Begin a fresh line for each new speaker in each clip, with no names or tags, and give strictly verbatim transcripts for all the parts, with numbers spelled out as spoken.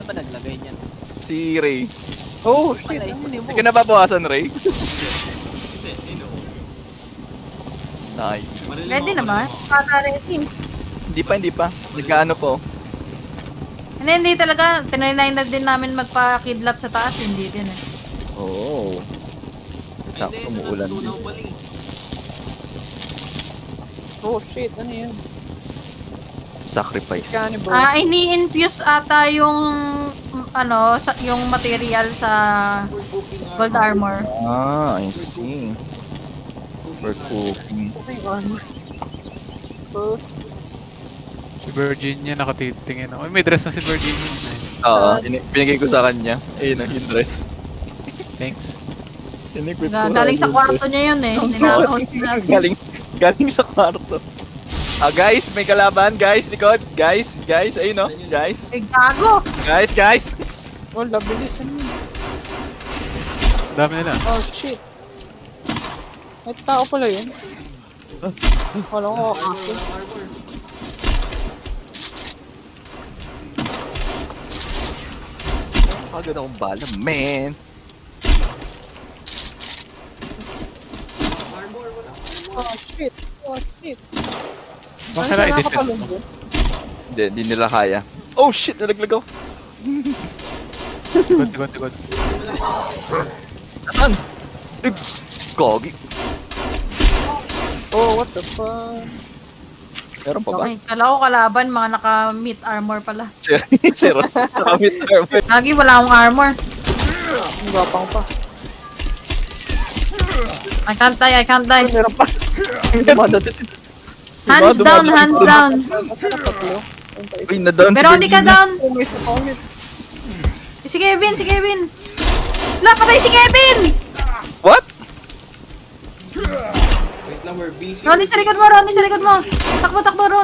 ba naglagay niyan?
Si Ray.
Oh, shit.
Malay ko ni mo.
Hindi ka nababawasan, Ray?
Hindi, hindi no.
Nice.
Marilim
Ready
ako,
naman?
marilim ako.
Para ready.
Hindi pa, hindi pa. Nagkaano po?
Hindi, hindi talaga. Tinry na din namin magpa-kidlat sa taas. Hindi din eh.
Oo.
Ay,
Sakto,
hindi,
umuulan din.
natutunaw pala eh.
Oh, shit. Ano yun?
Sacrifice.
Cannibal.
Ah, ini-infuse ata yung ano, sa, yung material sa gold armor.
Ah, I see. For cooking.
Okay, armor. So,
Si Virginia nakatitingin ako. Uy, may dress na si Virginia. Nice.
Oo, ini- binigay ko sa kanya. Ayun ang yung dress.
Thanks.
Inequip
Ga-
ko
Galing
na
sa
yung
kwarto
dress.
niya yun eh. Ninakaon niya.
galing, galing sa kwarto. Ah, guys, may kalaban. Guys, likod. Guys, guys, ayun no. Guys,
Ay, gago!
guys, guys.
oh, labilis. Ano yun?
Dami nila.
Oh, shit. May tao pala yun. Wala ko ako.
Pagod akong bala, man.
Oh, shit. Oh, shit.
Bakit na i-defend mo?
Nakakalungkot.
Hindi, hindi nila kaya. Oh shit, nalaglag ako.
Tikod, tikod, tikod.
Saan? Eh, Gogi.
Oh, what the fuck?
Meron pa ba?
Okay, kala ko kalaban, mga naka-meat armor pala.
Zero. Zero. Nakamit armor.
Lagi wala akong armor.
Ang gapang pa.
I can't die, I can't die.
Meron pa.
Hands down, hands down.
Uy, na-down si
Pero hindi ka
Virginia.
down.
Oh, may isa pa ulit.
Si Kevin, si Kevin. La, patay si Kevin!
What?
Wait lang, we're busy.
Ronnie, sa likod mo, Ronnie, sa likod mo. Takbo, takbo, Ron.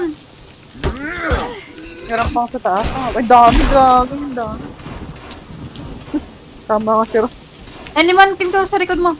Meron pa sa taas. Ah, ay, dami, dami, dami. Tama ka, sir.
Anyone can go sa likod mo.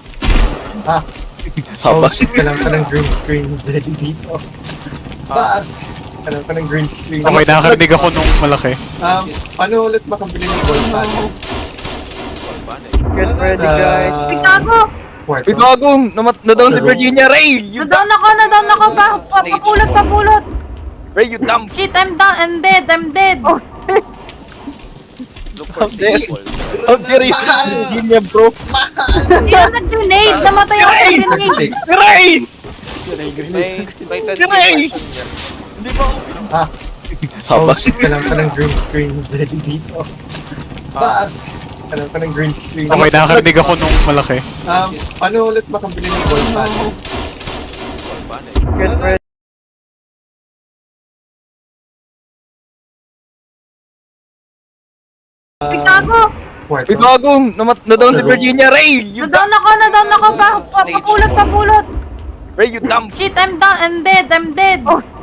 Haba.
Oh shit, kailangan ka ng green screen Zeddy dito. Bakit? Kailangan ka ng green screen.
Okay, nakakarinig ako nung malaki.
Um, paano ulit makabili ng gold panel?
Get ready,
Sa
guys.
Ay, gago!
kwarto?
Uy, bago. Namat- Na-down si Virginia. Ray! You
Na-down ako, na-down ako. Pa, pa, papulot, papulot.
Ray, you dumb.
Shit, I'm down, I'm dead, I'm dead.
How dare How dare you say Virginia, bro?
Hindi ako nag-grenade. Namatay ako sa grenade.
Six.
Ray!
May, may thirty
Ray!
niya.
Hindi ba ako?
Ah.
Haba.
Oh shit, kailangan ka ng green screen Zeddy dito. Bakit? Kailangan ka ng green screen.
Okay, nakakarinig ako nung malaki.
Um, paano ulit makabili ng gold panel?
Get ready.
Ay, gago!
Kwarto?
Uy, bago. Namat- Na-down si Virginia. Ray! You dumb.
Na-down ako, na-down ako. Pa, pa, papulot, papulot.
Ray, you dumb.
Shit, I'm down, I'm dead, I'm dead.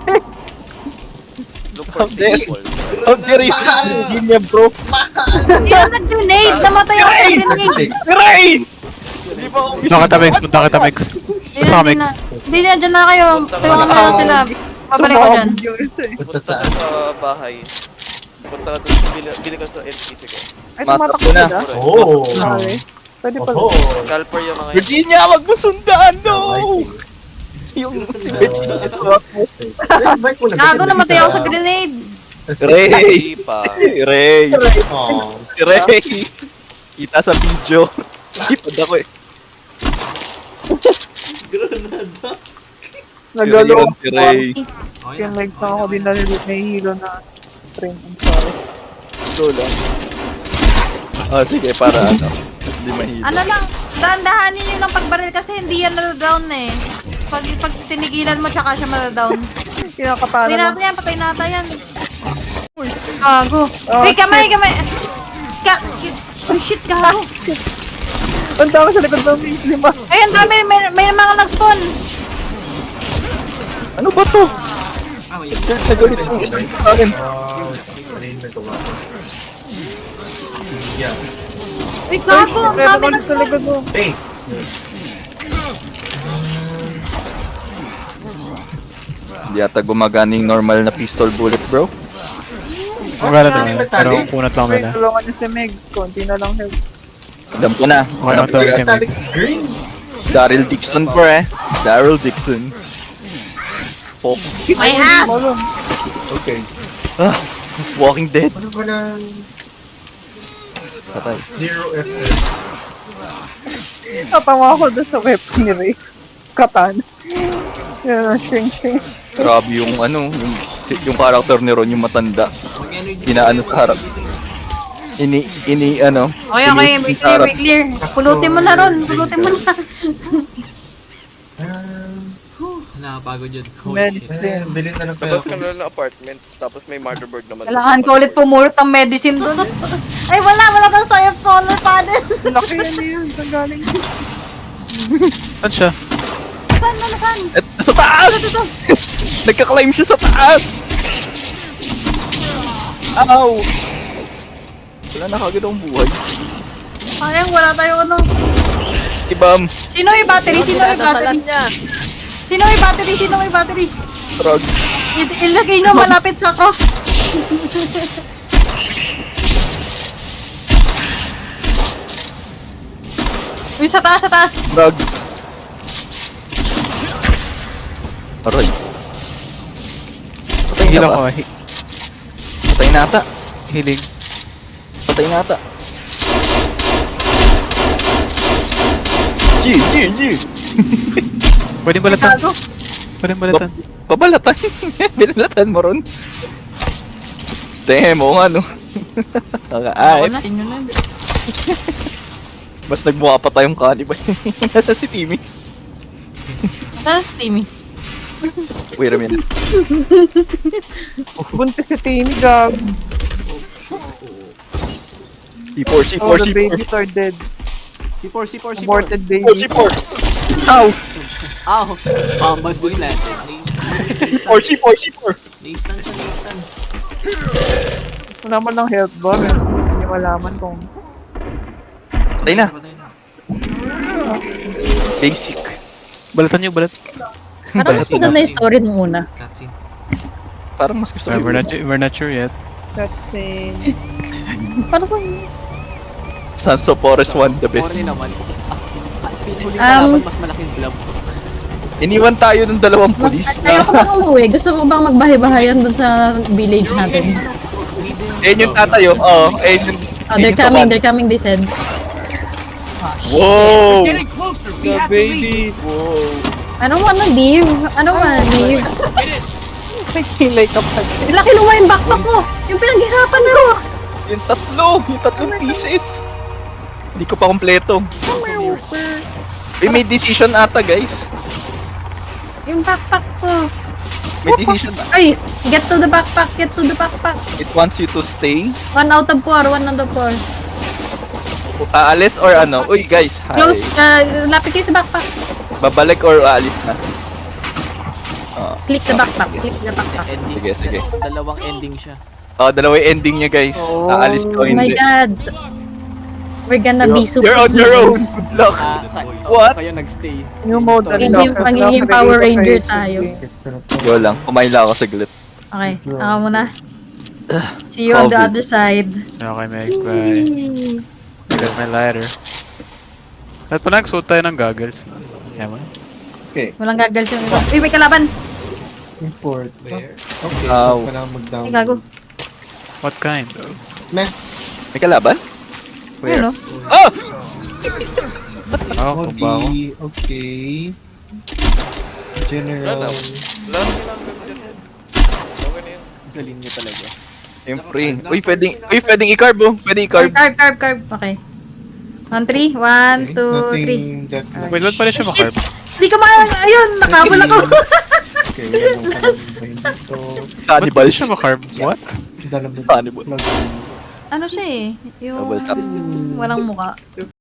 Look
How
for
dare
stable.
How dare you say Virginia, bro?
Hindi ako nag-grenade. Namatay ako sa grenade.
Six.
Ray! Hindi ba ako?
Punta kita, Mex. Punta kita, Mex.
Hindi
Sa
na,
Mex.
hindi na. Hindi na, dyan na kayo. Tawangan mo lang sila. Pabalik ko dyan.
Punta
Punta
saan?
ka sa bahay. Punta ka doon, bili, bili ka sa N P C ko.
Ay,
Matak
tumatakbo
na.
na.
Oh!
Okay. Pwede pala.
Oh!
Scalper yung mga yun.
Virginia, wag mo sundan, no! Yung si Virginia.
Gago, namatay ako sa grenade.
Ray!
Hindi pa.
Ray!
Oh.
Si Ray! Kita sa video. Ipad ako eh.
Nagalo.
Si Ray.
Okay
Yung
na.
legs na ako din na nahihilo na stream. I'm sorry.
Go lang. Ah, sige, para ano. Hindi mahilo.
Ano lang, dahan-dahanin nyo lang pagbaril kasi hindi yan na-down eh. Pag, pag tinigilan mo, tsaka siya ma-down.
Kinakapala
Patay
na.
natin yan, patay natin yan. Gago. Wait, kamay, kamay. Ka oh shit, gago.
Ang dami sa likod ng base lima.
Ayun, dami, may, may mga nag-spawn.
Ano ba to?
Ah, wait.
Nagalit yung isa sa akin.
Yeah.
Wait, gago, ang
Meron
dami
ulit sa
nag-spawn.
likod mo.
Hey!
Hindi ata gumagana yung normal na pistol bullet, bro.
Magkano
Oh,
to? Pero punat lang
Wait,
nila.
tulungan niyo si Megs. Konti na lang help.
Alam ko na.
Okay, ang tawag kay Meg.
Green.
Daryl Dixon po eh. Daryl Dixon. Oh,
My ass!
Okay.
ah, Walking Dead.
Ano ba na
Patay.
zero F F?
Natawa ako doon sa weapon ni Ray. Katana. Yan, shrink, shrink.
Grabe yung ano, yung, si- yung character ni Ron, yung matanda.
Mag-energy.
Inaano sa harap. Ini, ini, ano.
Okay, okay,
ini-
may clear, may clear. Pulutin mo na ron, pulutin mo na.
Nakapagod yun. Holy shit.
Medicine.
Eh, bilhin na lang kaya
Tapos
ako.
ka na lang ng apartment, tapos may motherboard naman.
Kailangan ko ulit pumulot ng medicine doon. Ay, wala, wala kang sayap solar panel.
Laki yan na yun. Saan galing?
Saan siya?
Saan, saan, saan?
Et, sa taas!
Ito, ito.
Nagka-climb siya sa taas! Ow! Wala na kagad akong buhay.
Sayang, wala tayong ano.
Ibam,
Sino yung battery? Sino yung battery? Sino yung battery? Sino yung battery?
drugs.
I- ilagay nyo malapit sa cross. Uy, sa taas, sa taas.
Drugs. Aray. Patay
Heal
na
ako.
ba?
hi-
Patay na ata.
Healing.
Patay na ata. Yee, yee, yee.
Pwede balatan.
Gago.
Pwede balatan.
Pabalatan. Binalatan mo ron. Damn, oo nga no.
Ako
Ay,
na, inyo na.
mas nagmukha pa tayong cannibal. Nasa si Timmy.
Saan si Timmy?
Wait a minute.
Buntis si Timmy, gag.
C four, C four,
All
C
the
four.
babies are dead.
C four, C four, C four.
Aborted
C
babies.
four. Ow!
Ow! Bombas mo nila.
C four, C four, C four.
Na-stun siya, na-stun.
Wala man lang health bar. Hindi malaman kung...
Patay na.
Patay na.
Basic.
Balatan niyo, balat.
Parang mas maganda yung story nung una.
Cutscene.
Parang mas gusto ko
We're
yung
not, we're not sure yet.
That's a...
Parang sa...
Sons of Forest one, the best.
Sorry naman. Huling
Um,
kalaban, mas malaking blob.
Iniwan tayo ng dalawang pulis
Ayaw ko
na
bang umuwi. Gusto mo bang magbahay-bahayan dun sa village natin?
ayun yung tatayo. Oo, ayun yung...
Oh,
ayun
they're
yung sa
coming,
one.
they're coming, they said.
Whoa!
The babies.
Whoa!
I don't wanna leave. I don't wanna leave.
May kilay ka pa.
Wala kinuha yung backpack ko. Yung pinaghirapan ko.
Yung tatlo! Yung tatlong pieces! Hindi ko pa kompleto. We made decision ata, guys.
Yung backpack ko.
May decision.
Ay, get to the backpack, get to the backpack.
It wants you to stay.
One out of four, one out of four.
Aalis or ano? Uy, guys. Hi.
Close, uh, lapit kayo sa backpack.
Babalik or aalis na? Ah,
Click the backpack, click the backpack.
Ending.
sige, sige.
Dalawang ending siya.
Oh, dalawa yung ending niya, guys. Aalis ka o
Oh my
hindi.
god. We're gonna
You're,
be super
you're on your own.
heroes.
Good luck.
Ah, sa-
What?
Kayo nagstay.
New mode
Magiging-
unlock.
magiging
Unlock,
Power
ready
Ranger
to
tayo.
play.
Yo lang. Kumain lang ako saglit.
Okay, ako muna. See you on the
COVID.
other side.
Okay, Meg. Bye. I got my lighter. At pala nagsuot tayo ng goggles. Kaya mo?
Walang gagal yung iba. Uy, may kalaban!
Import.
Where?
Okay,
Ow.
so kailangan mag-down.
Ay, gago.
What kind though?
Meh.
May kalaban?
Ayun, no?
Oh!
Oh, kumbawa.
Okay, okay. General.
Wala na kailangan gawin dyan. Okay na yun.
Galing niyo talaga.
Siyempre. Uy, pwedeng, uy, pwedeng i-carb oh. Pwede i-carb.
Carb, carb, carb. Okay. On three. One, two, three.
Nothing that much.
Wait, ba't pala siya makarb?
Hindi ko ma... Ayun, nakabol ako.
Okay, wala nang kalabay dito.
Ba't
Cannibals.
pala siya makarb? What?
Dalawa.
Cannibal.
Ano siya eh? Yung...
Double tap.
Walang muka.